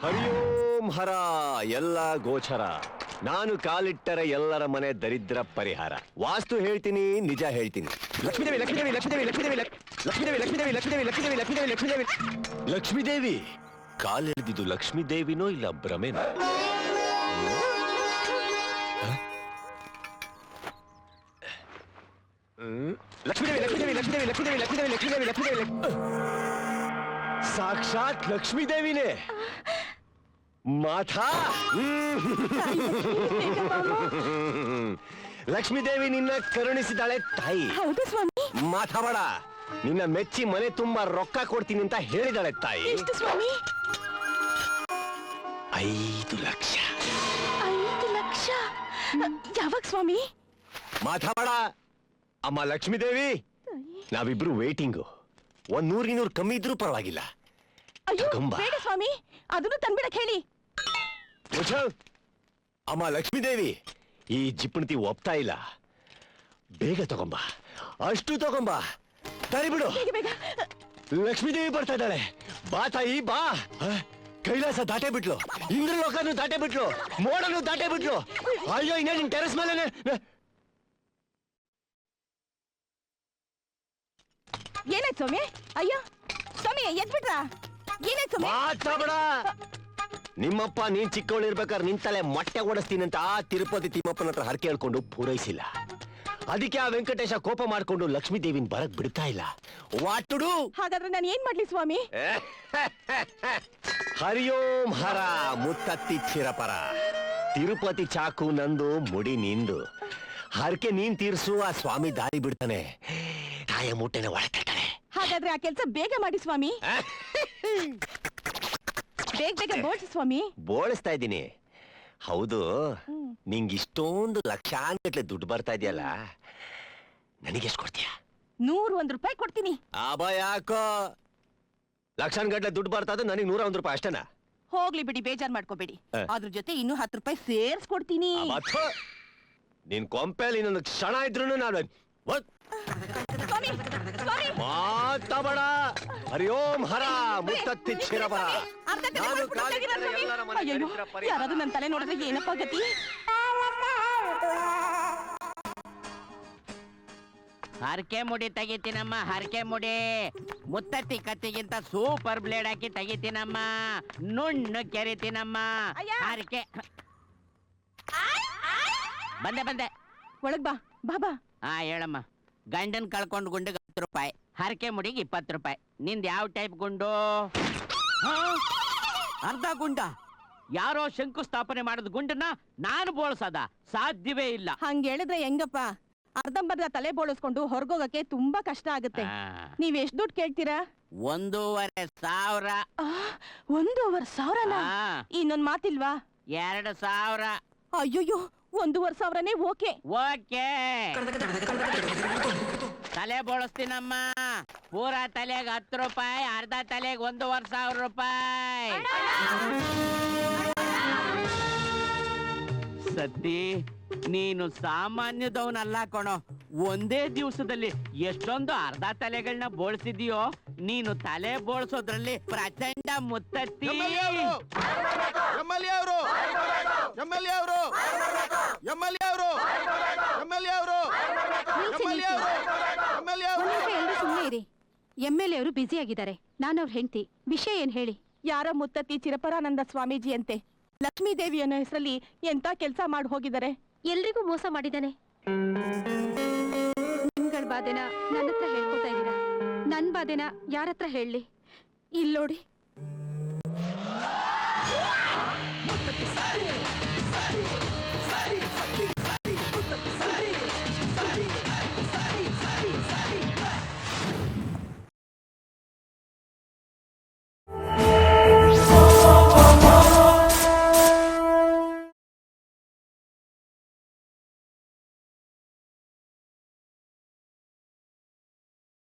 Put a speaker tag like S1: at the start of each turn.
S1: ಹರಿಯೋಂ ಹರ ಎಲ್ಲ ಗೋಚರ. ನಾನು ಕಾಲಿಟ್ಟರೆ ಎಲ್ಲರ ಮನೆ ದರಿದ್ರ ಪರಿಹಾರ. ವಾಸ್ತು ಹೇಳ್ತೀನಿ, ನಿಜ ಹೇಳ್ತೀನಿ. ಲಕ್ಷ್ಮೀದೇವಿ ಲಕ್ಷ್ಮೀದೇವಿ ಲಕ್ಷ್ಮೀದೇವಿ ಲಕ್ಷ್ಮೀದೇವಿ ಲಕ್ಷ್ಮೀದೇವಿ ಲಕ್ಷ್ಮೀದೇವಿ ಲಕ್ಷ್ಮೀದೇವಿ ಲಕ್ಷ್ಮೀದೇವಿ ಲಕ್ಷ್ಮೀದೇವಿ ಲಕ್ಷ್ಮೀದೇವಿ ಲಕ್ಷ್ಮೀದೇವಿ ಕಾಲಿಡ್ದಿದ್ದು ಲಕ್ಷ್ಮೀದೇವಿನೋ ಇಲ್ಲ ಭ್ರಮೆನೋ? ಲಕ್ಷ್ಮೀದೇವಿ ಲಕ್ಷ್ಮೀದೇವಿ ಲಕ್ಷ್ಮೀದೇವಿ ಲಕ್ಷ್ಮೀದೇವಿ ಲಕ್ಷ್ಮೀದೇವಿ ಲಕ್ಷ್ಮೀದೇವಿ ಲಕ್ಷ್ಮೀದೇವಿ ಸಾಕ್ಷಾತ್ ಲಕ್ಷ್ಮೀದೇವಿನೇ. ಮಾಥಾ ಲಕ್ಷ್ಮೀದೇವಿ ನಿನ್ನ ಕರುಣಿಸಿದಾಳೆ ತಾಯಿ.
S2: ಹೌದು ಸ್ವಾಮಿ.
S1: ಮಾತಾಡ, ನಿನ್ನ ಮೆಚ್ಚಿ ಮನೆ ತುಂಬಾ ರೊಕ್ಕ ಕೊಡ್ತೀನಿ ಅಂತ ಹೇಳಿದಾಳೆ ತಾಯಿ.
S2: ಎಷ್ಟು ಸ್ವಾಮಿ?
S1: 5 ಲಕ್ಷ.
S2: 5 ಲಕ್ಷ? ಯಾವಾಗ ಸ್ವಾಮಿ?
S1: ಮಾತಾಡ ಅಮ್ಮ ಲಕ್ಷ್ಮೀದೇವಿ, ನಾವಿಬ್ರು ವೇಟಿಂಗು. 100-200 ಕಮ್ಮಿ ಇದ್ರೂ ಪರವಾಗಿಲ್ಲ.
S2: ಅಯ್ಯೋ ಬೇಡ ಸ್ವಾಮಿ, ಅದನ್ನು ತಂದ್ಬಿಡಕ್ ಹೇಳಿ.
S1: ಅಮ್ಮ ಲಕ್ಷ್ಮೀದೇವಿ, ಈ ಜಿಪ್ಪಣತಿ ಒಪ್ತಾ ಇಲ್ಲ. ಬೇಗ ತಗೊಂಬ, ಅಷ್ಟು ತಗೊಂಬ. ತರಿಬಿಡು. ಲಕ್ಷ್ಮೀದೇವಿ ಬರ್ತಾ ಇದ್ದಾಳೆ. ಬಾ ತಾಯಿ ಬಾ. ಕೈಲಾಸ ದಾಟೆ ಬಿಟ್ಲು, ಇಂದ್ರಲೋಕನು ದಾಟೆ ಬಿಟ್ಲು, ಮೋಡನು ದಾಟೆ ಬಿಟ್ಲು. ಅಯ್ಯೋ ಇನ್ನ ನಿನ್ ಟೆರೆಸ್ ಮೇಲೆ.
S2: ಏನಾಯ್ತು ಸ್ವಾಮಿ? ಅಯ್ಯೋ ಸ್ವಾಮಿ ಎದ್ಬಿಟ್ರಾ? ಏನಾಯ್ತು ಸ್ವಾಮಿ?
S1: ಮಾತಾಡ. ನಿಮ್ಮಪ್ಪ ನೀನ್ ಚಿಕ್ಕವಳಿರ್ಬೇಕಾದ್ರೆ ನಿಂತಲೆ ಮೊಟ್ಟೆ ಓಡಿಸ್ತೀನಿ ಅಂತ ಆ ತಿರುಪತಿ ತಿಮ್ಮಪ್ಪನ ಹತ್ರ ಹರಕೆ ಹೇಳ್ಕೊಂಡು ಪೂರೈಸಿಲ್ಲ. ಅದಕ್ಕೆ ಆ ವೆಂಕಟೇಶ ಕೋಪ ಮಾಡ್ಕೊಂಡು ಲಕ್ಷ್ಮೀದೇವಿನ ಬರಕ್ ಬಿಡ್ತಾ ಇಲ್ಲ. ವಾಟುಡು.
S2: ಹಾಗಾದ್ರೆ ನಾನು ಏನ್ ಮಾಡ್ಲಿ ಸ್ವಾಮಿ?
S1: ಹರಿಯೋಂ ಹರ ಮುತ್ತತ್ತಿ ಚಿರಪರ. ತಿರುಪತಿ ಚಾಕು ನಂದು, ಮುಡಿ ನಿಂದು. ಹರಕೆ ನೀನ್ ತೀರ್ಸು, ಆ ಸ್ವಾಮಿ ದಾರಿ ಬಿಡ್ತಾನೆ. ತಾಯ ಮುಟ್ಟೆನ ಒಳಕಟ್ಟಾನೆ.
S2: ಹಾಗಾದ್ರೆ ಆ ಕೆಲ್ಸ ಬೇಗ ಮಾಡಿ ಸ್ವಾಮಿ. ಬೇಗ ಬೇಗ ಬೋಳ್ಸಿ ಸ್ವಾಮಿ.
S1: ಬೋಳಿಸ್ತಾ ಇದ್ದೀನಿ. ಹೌದು, ನಿಂಗೆ ಇಷ್ಟೊಂದು ಲಕ್ಷಾನ್ಗಟ್ಲೆ ದುಡ್ಡು ಬರ್ತಾ ಇದೆಯಲ್ಲ, ನನಗೆಷ್ಟು ಕೊಡ್ತೀಯ?
S2: 101 ರೂಪಾಯಿ ಕೊಡ್ತೀನಿ.
S1: ಆಬಾ ಯಾಕೋ ಲಕ್ಷಾನ್ಗಟ್ಲೆ ದುಡ್ಡು ಬರ್ತಾ ಇದ್ದು, ನನಗೆ 101 ರೂಪಾಯಿ ಅಷ್ಟೇನಾ?
S2: ಹೋಗ್ಲಿ ಬಿಡಿ, ಬೇಜಾರ್ ಮಾಡ್ಕೋಬೇಡಿ. ಅದ್ರ ಜೊತೆ ಇನ್ನೂ 10 ರೂಪಾಯಿ ಸೇರ್ಸ್ಕೊಡ್ತೀನಿ.
S1: ನಿನ್ ಕೊಂಪೆಲಿ ಇನ್ನೊಂದು ಕ್ಷಣ ಇದ್ರು ನಾನು ಮಾತಾಡ. ಹರಿಯೋಂ ಹರ ಮುತ್ತತ್ತಿ ಚಿರಪರ.
S2: ಯಾರಾದ್ರೂ ನನ್ನ ತಲೆ ನೋಡಿದ್ರೆ ಏನಪ್ಪ ಗತಿ?
S3: ಹರಕೆ ಮುಡಿ ತೆಗಿತೀನಮ್ಮ, ಹರಕೆ ಮುಡಿ. ಮುತ್ತತ್ತಿ ಕತ್ತಿಗಿಂತ ಸೂಪರ್ ಬ್ಲೇಡ್ ಹಾಕಿ ತೆಗಿತೀನಮ್ಮ. ನುಣ್ಣು ಕೆರಿತೀನಮ್ಮ. ಹರಕೆ ಬಂದೆ
S2: ಒಳಗ್ ಬಾ ಬಾಬಾ.
S3: ಹಾ ಹೇಳಮ್ಮ. ಗಂಡನ್ ಕಳ್ಕೊಂಡ್ ಗುಂಡಿಗೆ 10 ರೂಪಾಯಿ, ಹರಕೆ ಮುಡಿಗೆ 20 ರೂಪಾಯಿ. ನಿಂದ ಯಾವ ಟೈಪ್ ಗುಂಡು? ಅರ್ಧ ಗುಂಡ? ಯಾರೋ ಶಂಕುಸ್ಥಾಪನೆ ಮಾಡಿದ ಗುಂಡನ್ನ ನಾನು ಬೋಳ್ಸದ ಸಾಧ್ಯವೇ ಇಲ್ಲ.
S2: ಹಂಗ ಹೇಳಿದ್ರೆ ಹೆಂಗಪ್ಪ? ಅರ್ಧಂಬರ್ಧ ತಲೆ ಬೋಳಿಸ್ಕೊಂಡು ಹೊರಗೋಗಕ್ಕೆ ತುಂಬಾ ಕಷ್ಟ ಆಗುತ್ತೆ. ನೀವ್ ಎಷ್ಟ್ ದುಡ್ಡು ಕೇಳ್ತೀರಾ?
S3: 1,500.
S2: 1,500? ಇನ್ನೊಂದ್ ಮಾತಿಲ್ವಾ?
S3: 2,000.
S2: ಅಯ್ಯೋಯ್ಯೋ, 1,500ನೇ ಓಕೆ.
S3: ಓಕೆ, ತಲೆ ಬೋಳಿಸ್ತೀನಮ್ಮ. ಪೂರಾ ತಲೆಗೆ 10 ರೂಪಾಯಿ, ಅರ್ಧ ತಲೆಗೆ 1,500 ರೂಪಾಯಿ. ಸತ್ತಿ, ನೀನು ಸಾಮಾನ್ಯದವನಲ್ಲ ಕಣೋ. ಒಂದೇ ದಿವಸದಲ್ಲಿ ಎಷ್ಟೊಂದು ಅರ್ಧ ತಲೆಗಳನ್ನ ಬೋಳ್ಸಿದೀಯೋ. ನೀನು ತಲೆ ಬೋಳ್ಸೋದ್ರಲ್ಲಿ ಪ್ರಚಂಡ ಮುತ್ತತ್ತಿ.
S2: ಸುಮ್ಮನೆ ಇರಿ. MLA ಅವರು ಬ್ಯುಸಿ ಆಗಿದ್ದಾರೆ. ನಾನು ಅವ್ರ ಹೆಂಡತಿ. ವಿಷಯ ಏನ್ ಹೇಳಿ? ಯಾರ ಮುತ್ತತ್ತಿ ಚಿರಪರಾನಂದ ಸ್ವಾಮೀಜಿ ಅಂತೆ. ಲಕ್ಷ್ಮೀದೇವಿ ಅನ್ನೋ ಹೆಸರಲ್ಲಿ ಎಂತ ಕೆಲ್ಸ ಮಾಡಿ ಹೋಗಿದ್ದಾರೆ. ಎಲ್ರಿಗೂ ಮೋಸ ಮಾಡಿದ್ದಾನೆ. ನಿಮ್ಗಳ ಬಾಧೆನ ನನ್ನ ಹತ್ರ ಹೇಳ್ಕೊತಾ ಇದ್ದೀರಾ. ನನ್ ಬಾಧೆನ ಯಾರ ಹತ್ರ ಹೇಳಲಿ? ಇಲ್ಲೋಡಿ.